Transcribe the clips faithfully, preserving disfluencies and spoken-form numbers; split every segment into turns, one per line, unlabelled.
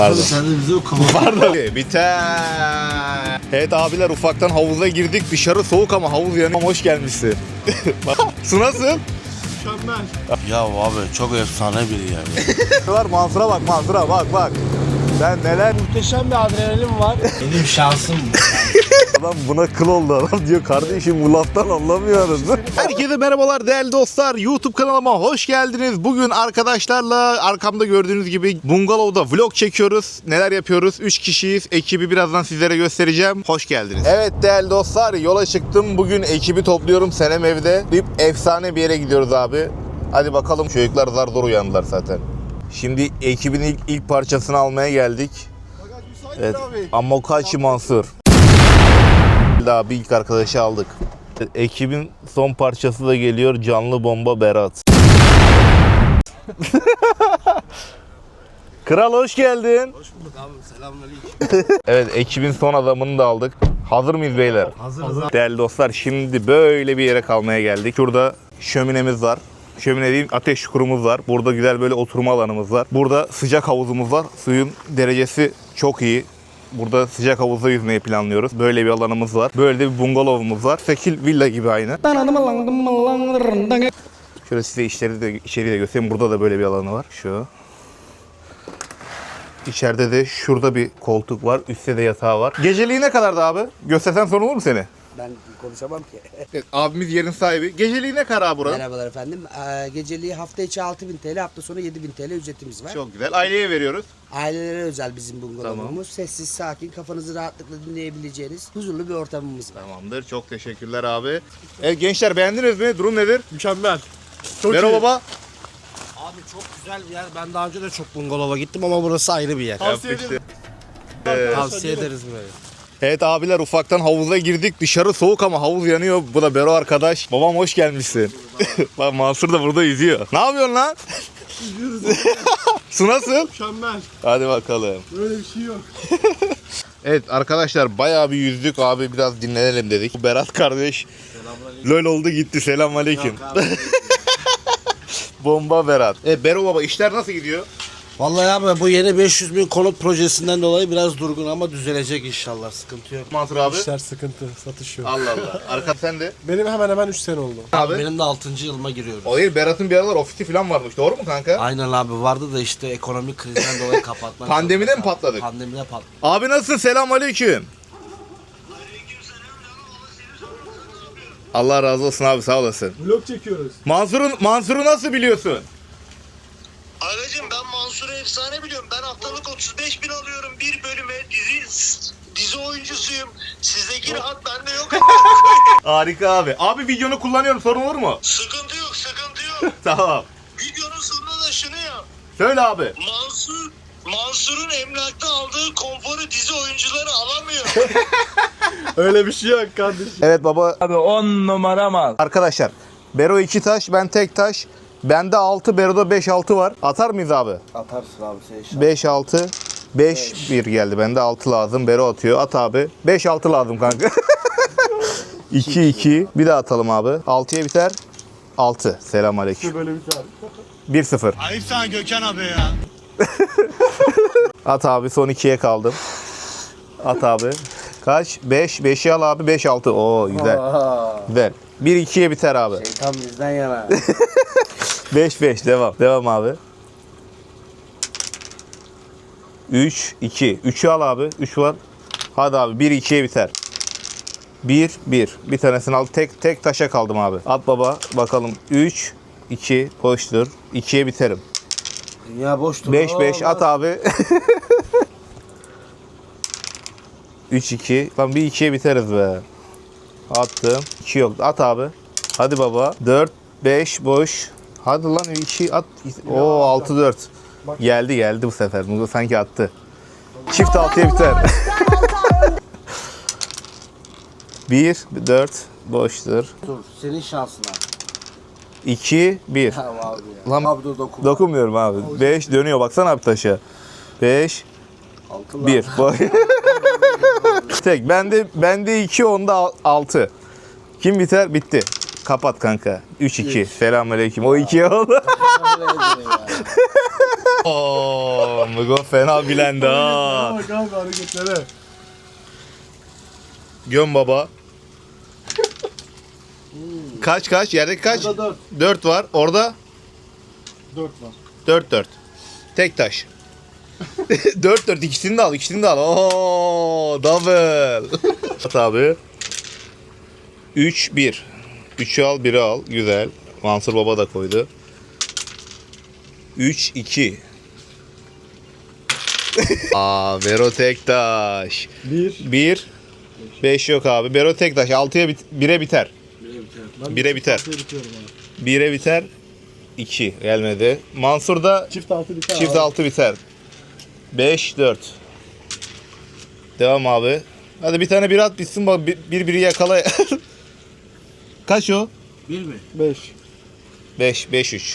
Pardon.
Sen de bize okuma.
Pardon. Biter. Evet abiler, ufaktan havuza girdik. Dışarı soğuk ama havuz yanıyor. Hoş gelmişsin. Su nasıl?
Mükemmel. Ya abi çok efsane biri ya.
Var Mansur'a bak, Mansur'a bak bak. Sen neler?
Muhteşem bir adrenalin var.
Benim şansım bu.
Adam buna kıl oldu, adam diyor kardeşim bu laftan anlamıyoruz. Herkese merhabalar değerli dostlar, YouTube kanalıma hoş geldiniz. Bugün arkadaşlarla arkamda gördüğünüz gibi bungalovda vlog çekiyoruz. Neler yapıyoruz? üç kişiyiz. Ekibi birazdan sizlere göstereceğim. Hoş geldiniz. Evet değerli dostlar, yola çıktım. Bugün ekibi topluyorum. Senem evde. Bir efsane bir yere gidiyoruz abi. Hadi bakalım, çocuklar zar zor uyandılar zaten. Şimdi ekibin ilk, ilk parçasını almaya geldik. Evet. Amokachi Mansur. Daha bir ilk arkadaşı aldık. Ekibin son parçası da geliyor. Canlı bomba Berat. Kral hoş geldin.
Hoş bulduk abi, selamünaleyküm.
Evet, ekibin son adamını da aldık. Hazır mıyız beyler?
Hazırız.
Değerli dostlar, şimdi böyle bir yere kalmaya geldik. Şurada şöminemiz var. Şömine diyeyim, ateş çukurumuz var. Burada güzel böyle oturma alanımız var. Burada sıcak havuzumuz var. Suyun derecesi çok iyi. Burada sıcak havuzda yüzmeyi planlıyoruz. Böyle bir alanımız var. Böyle de bir bungalovumuz var. Sekil villa gibi aynı. Şöyle size içeri de, içeriği de göstereyim. Burada da böyle bir alanı var. Şu. İçeride de şurada bir koltuk var. Üstte de yatağı var. Geceliği ne kadardı abi? Göstersen sorun olur mu seni?
Ben konuşamam ki.
Evet, abimiz yerin sahibi. Geceliği ne kadar abi buranın?
Merhabalar efendim. Ee, geceliği hafta içi altı bin TL, hafta sonu yedi bin TL ücretimiz var.
Çok güzel. Aileye veriyoruz.
Ailelere özel bizim bungalovumuz.
Tamam.
Sessiz, sakin, kafanızı rahatlıkla dinleyebileceğiniz huzurlu bir ortamımız var.
Tamamdır. Çok teşekkürler abi. Evet gençler, beğendiniz mi? Durum nedir?
Mükemmel. Çok
Merhaba
iyi.
baba.
Abi çok güzel bir yer. Ben daha önce de çok bungalova gittim ama burası ayrı bir yer.
Tavsiye ederim.
Tavsiye ederiz böyle.
Evet abiler, ufaktan havuza girdik. Dışarı soğuk ama havuz yanıyor. Bu da Bero arkadaş. Babam hoş gelmişsin. Bak Mansur da burada yüzüyor. Ne yapıyorsun lan? Su nasıl?
Mükemmel.
Hadi bakalım.
Böyle bir şey yok.
Evet arkadaşlar, bayağı bir yüzdük abi, biraz dinlenelim dedik. Bu Berat kardeş lol oldu gitti, selamünaleyküm. Bomba Berat. E Bero baba, işler nasıl gidiyor?
Vallahi abi bu yeni beş yüz bin konut projesinden dolayı biraz durgun ama düzelecek inşallah. Sıkıntı yok.
Mansur abi.
İşler sıkıntı, satış yok.
Allah Allah. Arka sen de.
Benim hemen hemen üç sene oldu.
Abi.
Benim de altıncı yılıma giriyorum.
O değil, Berat'ın bir aralar ofisi falan varmış, doğru mu kanka?
Aynen abi, vardı da işte ekonomik krizden dolayı kapatmak.
Pandemide mi patladık?
Pandemide patladık.
Abi nasılsın? Selamünaleyküm. Allah razı olsun abi, sağ olasın.
Vlog çekiyoruz.
Mansur'un Mansur'u nasıl biliyorsun?
Agacım ben Mansur'u efsane biliyorum. Ben haftalık otuz beş bin alıyorum bir bölüme. Dizi dizi oyuncusuyum. Sizdeki rahat bende yok.
Harika abi. Abi videonu kullanıyorum, sorun olur mu?
Sıkıntı yok, sıkıntı yok.
Tamam.
Videonun sonunda da şunu yap.
Söyle abi.
Mansur Mansur'un emlakta aldığı konforu dizi oyuncuları alamıyor.
Öyle bir şey yok kardeşim.
Evet baba.
Abi on numara mal.
Arkadaşlar, Bero iki taş, ben tek taş. Bende altı, Bero'da beş altı var. Atar mıyız abi?
Atarsın abi sen inşallah.
beş altı. beş bir geldi. Bende altı lazım. Bero atıyor. At abi. beş altı lazım kanka. iki iki. Bir daha atalım abi. altıya biter. altı. Selamünaleyküm.
Böyle bir şey.
bir sıfır.
Ayıp sana Gökhan abi ya.
At abi, son ikiye kaldım. At abi. Kaç? beş. beşi al abi. beş altı. Oo güzel. Güzel. bir ikiye biter abi.
Şeytan bizden yana.
beş beş devam. Devam abi. üç iki. üçü al abi. üç var. Hadi abi, bir ikiye biter. bir bir. Bir tanesini al. Tek tek taşa kaldım abi. At baba bakalım. üç iki boştur. ikiye biterim.
Dünya boştur.
beş beş at abi. üç iki. Lan bir ikiye biteriz be. Attım. iki yok. At abi. Hadi baba. dört beş boş. Hadi lan iki at. Oo altı dört. Geldi geldi bu sefer. Bu sanki attı. Çift altıya biter. bir dört boştur.
Dur, senin şansın abi.
iki bir.
Tamam abi ya.
Lan
Abi dur dokun.
dokunmuyorum abi. beş dönüyor, baksana abi taşa. beş
Altın
bir. Tek. Bende bende iki, onda altı. Kim biter? Bitti. Kapat kanka. üç iki. Selamünaleyküm. O ikiye oldu. Oo, Mugo fena bilendi ha.
Bak abi hareketlere.
Göm baba. Kaç kaç? Yerdeki kaç?
Burada dört.
dört var. Orada
Dört var.
dört dört. Tek taş. dört dört ikisini de al, ikisini de al. Oo, double. At abi. üç bir. üçü al, biri al. Güzel. Mansur Baba da koydu. üç iki. Aa, Bero tek taş.
Bir.
bir beş yok abi. Bero tek taş. altıya bit bire biter.
Ben
Bire
de
biter.
altıya bitiyorum abi.
bire biter. iki gelmedi. Mansur da
Çift altı biter
çift
abi.
altı biter. beş dört. Devam abi. Hadi bir tane bir at bitsin bak bir, bir biri yakala. Kaç o?
Bir mi?
Beş.
beş beş üç.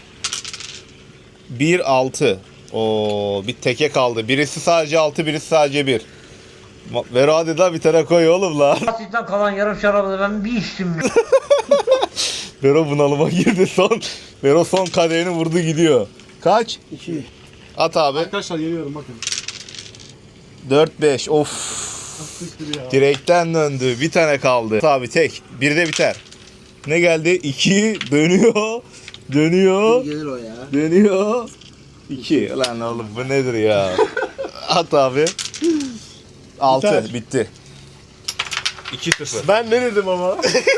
bir altı. Oo, bir teke kaldı. Birisi sadece altı, birisi sadece bir. Ver hadi da bir tane koy oğlum la.
Basitten kalan yarım şarabı ben bir içtim.
Vero bunalıma girdi son. Vero son kadehini vurdu gidiyor. Kaç?
İki.
At abi.
Arkadaşlar geliyorum bakın.
dört beş. Of.
Siktir ya.
Direkten döndü. Bir tane kaldı. Abi tek. Bir de biter. Ne geldi? iki. Dönüyor. Dönüyor.
Gelir o ya.
Dönüyor. iki. Lan oğlum bu nedir ya? At abi. altı.
Biter.
Bitti. iki sıfır.
Ben ne dedim ama?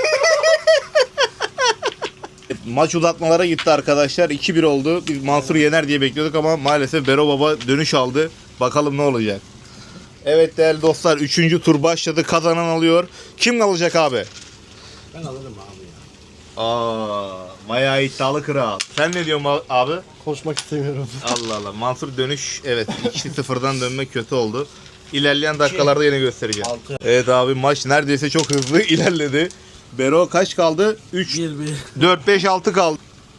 Maç uzatmalara gitti arkadaşlar. iki bir oldu. Biz Mansur yener diye bekliyorduk ama maalesef Bero Baba dönüş aldı. Bakalım ne olacak. Evet değerli dostlar. Üçüncü tur başladı. Kazanan alıyor. Kim alacak abi?
Ben alırım abi ya.
Aa, bayağı iddialı kral. Sen ne diyorsun abi?
Konuşmak istemiyorum.
Allah Allah. Mansur dönüş evet iki sıfırdan dönmek kötü oldu. İlerleyen dakikalarda yine göstereceğim.
Altı.
Evet abi maç neredeyse çok hızlı ilerledi. Bero kaç kaldı? üç,
Bir bir.
dört, beş, altı kaldı.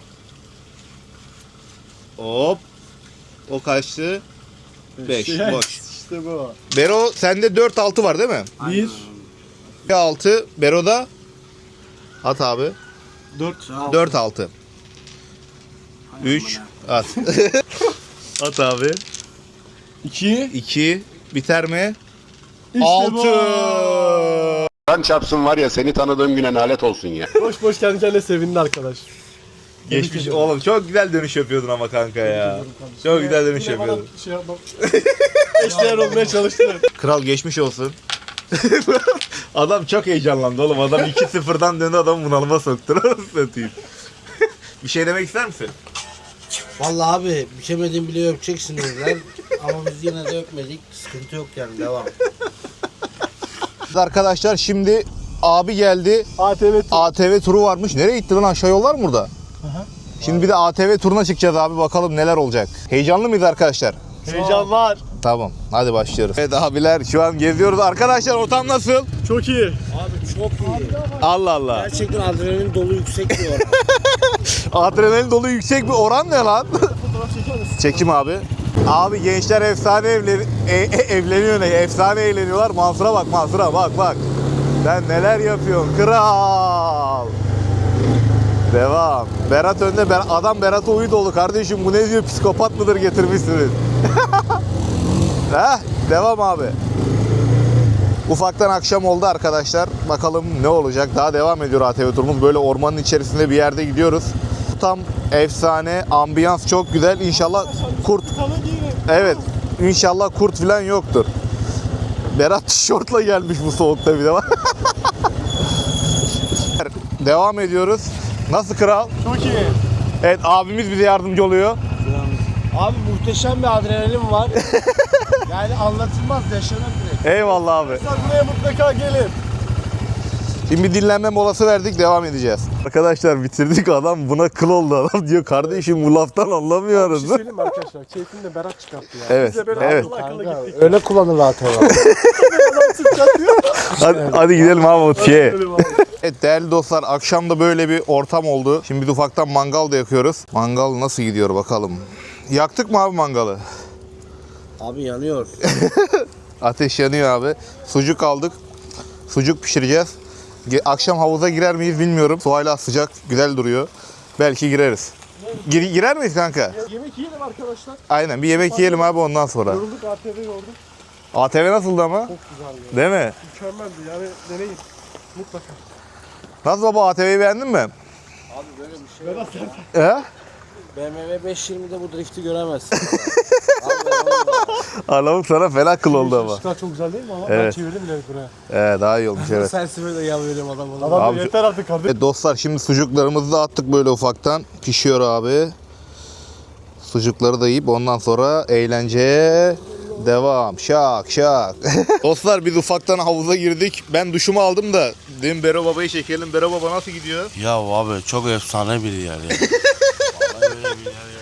Hop. O kaçtı? beş.
Yes,
Boş.
İşte bu.
Bero sende dört altı var değil mi?
Bir.
altı. Bero'da at abi.
Dört.
dört altı. üç at. At abi.
İki.
iki biter mi?
İşte
altı.
bu.
Kan çarpsın var ya seni tanıdığım güne nalet olsun ya.
Boş boş kendi kendine sevindi arkadaş.
Geçmiş oğlum çok güzel dönüş yapıyordun ama kanka ya. Çok güzel dönüş
Yine bana
yapıyordun.
Şey yapmam. Eşdeğer olmaya çalıştı.
Kral geçmiş olsun. Adam çok heyecanlandı oğlum. Adam iki sıfırdan döndü adamı bunalıma soktu. Nasıl satayım? Bir şey demek ister misin?
Vallahi abi biçemediğim bile öpeceksin dediler. Ama biz yine de öpmedik. Sıkıntı yok yani devam.
Arkadaşlar şimdi abi geldi.
A T V
A T V turu varmış. Nereye gitti lan? Aşağı yol var mı burada? Şimdi bir de A T V turuna çıkacağız abi. Bakalım neler olacak. Heyecanlı mıyız arkadaşlar?
Heyecan var.
Tamam. Hadi başlıyoruz. Evet abiler şu an geziyoruz. Arkadaşlar ortam nasıl?
Çok iyi.
Abi çok iyi.
Allah Allah.
Gerçekten adrenalin dolu yüksek bir oran.
Adrenalin dolu yüksek bir oran ne lan? Çekim abi. Abi gençler efsane evlen e- e- evleniyor ne? Efsane eğleniyorlar. Mansur'a bak Mansur'a bak bak. Sen neler yapıyorsun kral. Devam. Berat önde. Ber adam Berat'a uyu dolu kardeşim. Bu ne diyor? Psikopat mıdır getirmişsiniz? Heh, devam abi. Ufaktan akşam oldu arkadaşlar. Bakalım ne olacak. Daha devam ediyor A T V turumuz. Böyle ormanın içerisinde bir yerde gidiyoruz. Tam efsane. Ambiyans çok güzel. İnşallah kurt... Evet. İnşallah kurt falan yoktur. Berat tişörtle gelmiş bu soğukta bir de. Devam ediyoruz. Nasıl kral?
Çok iyi.
Evet abimiz bize yardımcı oluyor.
Abi muhteşem bir adrenalin var. Yani anlatılmaz, yaşanır direkt.
Eyvallah abi.
Sen buraya mutlaka gelin.
Şimdi bir dinlenme molası verdik, devam edeceğiz. Arkadaşlar bitirdik, adam buna kıl oldu adam diyor kardeşim bu laftan
Bir
anlamıyoruz.
şey söyleyeyim mi arkadaşlar? Keyfini de Berat çıkarttı ya.
Evet,
Biz de böyle
evet.
akıllı akıllı gittik.
Öyle kullanır A T V.
Hadi, hadi gidelim abi şeye. Evet değerli dostlar akşam da böyle bir ortam oldu. Şimdi biz ufaktan mangal da yakıyoruz. Mangal nasıl gidiyor bakalım. Yaktık mı abi mangalı?
Abi yanıyor.
Ateş yanıyor abi. Sucuk aldık. Sucuk pişireceğiz. Ge- Akşam havuza girer miyiz bilmiyorum. Su hala sıcak, güzel duruyor. Belki gireriz. Gir- girer miyiz kanka?
Yemek yiyelim arkadaşlar.
Aynen bir yemek yiyelim abi ondan sonra.
Yorulduk, A T V yorduk.
A T V nasıldı ama?
Çok güzeldi.
Değil mi?
Mükemmeldi yani, deneyin. Mutlaka.
Nasıl baba, A T V'yi beğendin mi?
Abi böyle bir şey yok.
He?
B M W beş yirmide bu drifti göremezsin.
Allah'ım sana fena kıl oldu ama.
Işıklar çok güzel değil mi ama? Ben
Evet.
çevirdim bile buraya.
Ee, daha iyi olmuş evet.
Sen böyle yal veriyorum adam ona.
Adam
Abi-
da yeter artık kardeşim.
Evet dostlar, şimdi sucuklarımızı da attık böyle ufaktan. Pişiyor abi. Sucukları da yiyip ondan sonra eğlenceye devam. Şak şak. Dostlar biz ufaktan havuza girdik. Ben duşumu aldım da dedim Bero Baba'yı çekelim. Bero Baba nasıl gidiyor?
Ya abi çok efsane bir yer ya. Vallahi öyle bir yer ya.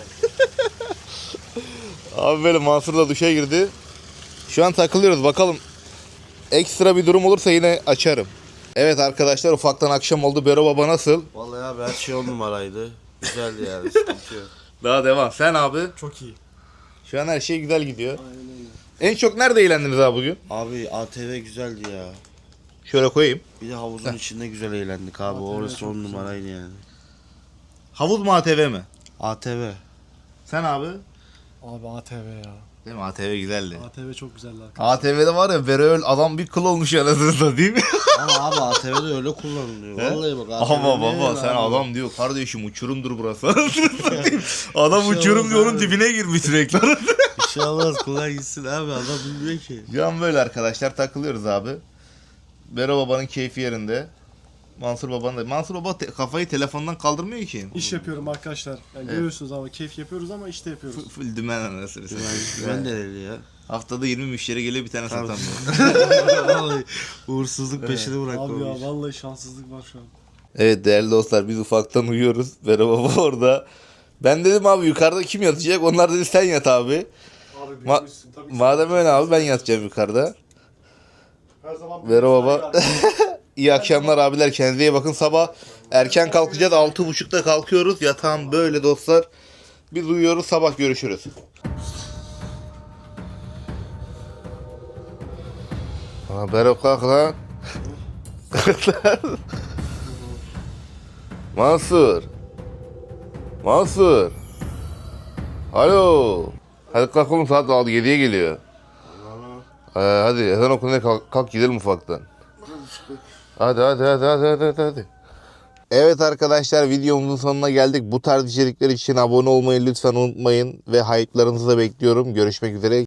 Abi böyle Mansur da duşa girdi. Şu an takılıyoruz bakalım. Ekstra bir durum olursa yine açarım. Evet arkadaşlar, ufaktan akşam oldu. Bero Baba nasıl?
Vallahi abi her şey on numaraydı. Güzeldi yani, sıkıntı yok.
Daha devam. Sen abi?
Çok iyi.
Şu an her şey güzel gidiyor. En çok nerede eğlendiniz abi bugün?
Abi A T V güzeldi ya.
Şöyle koyayım.
Bir de havuzun içinde güzel eğlendik abi. Orası on numaraydı yani.
Havuz mu A T V mi?
A T V.
Sen abi?
Abi A T V ya.
Değil mi? A T V güzeldi.
A T V çok güzeldi arkadaşlar.
A T V'de var ya, Beröl adam bir kıl olmuş anasını değil mi?
Ama abi A T V'de öyle kullanılıyor.
He?
Vallahi bak A T V
Ama
ne
baba
ya
sen
abi?
adam diyor kardeşim uçurumdur burası. Anasını satayım. Adam
Bir şey
uçurum
olmaz
diyor, onun
abi.
dibine girmiş sürekli.
Bir şey olmaz, kolay gitsin abi, adam bilmiyor ki.
Şu an böyle arkadaşlar takılıyoruz abi. Bero Baba'nın keyfi yerinde. Mansur Baba'nın da. Mansur Baba te- kafayı telefondan kaldırmıyor ki.
İş yapıyorum arkadaşlar. Yani görüyorsunuz ama keyif yapıyoruz ama işte yapıyoruz.
F- Full dümen anasını satayım.
Güven dereli ya.
Haftada yirmi müşteri geliyor, bir tane
Tabii.
satamıyor.
Vallahi uğursuzluk peşini
Abi
bırakmamış.
ya vallahi şanssızlık var şu an.
Evet değerli dostlar, biz ufaktan uyuyoruz. Bero Baba orada. Ben dedim abi yukarıda kim yatacak? Onlar dedi sen yat abi.
Abi
Ma-
büyümüşsün tabii ki.
Madem öyle abi ben yatacağım yukarıda.
Her zaman
Bero Baba. İyi akşamlar abiler, kendinize iyi bakın. Sabah erken kalkacağız, altı buçukta kalkıyoruz. Yatağım böyle dostlar. Biz uyuyoruz, sabah görüşürüz. Aa, Bero kalk lan. Mansur. Mansur. Alo. Hadi kalk oğlum, saat yediye geliyor. Ee, hadi ezan okununca kalk, kalk gidelim ufaktan. Hadi hadi hadi hadi hadi hadi. Evet arkadaşlar, videomuzun sonuna geldik. Bu tarz içerikler için abone olmayı lütfen unutmayın ve hype'larınızı da bekliyorum. Görüşmek üzere.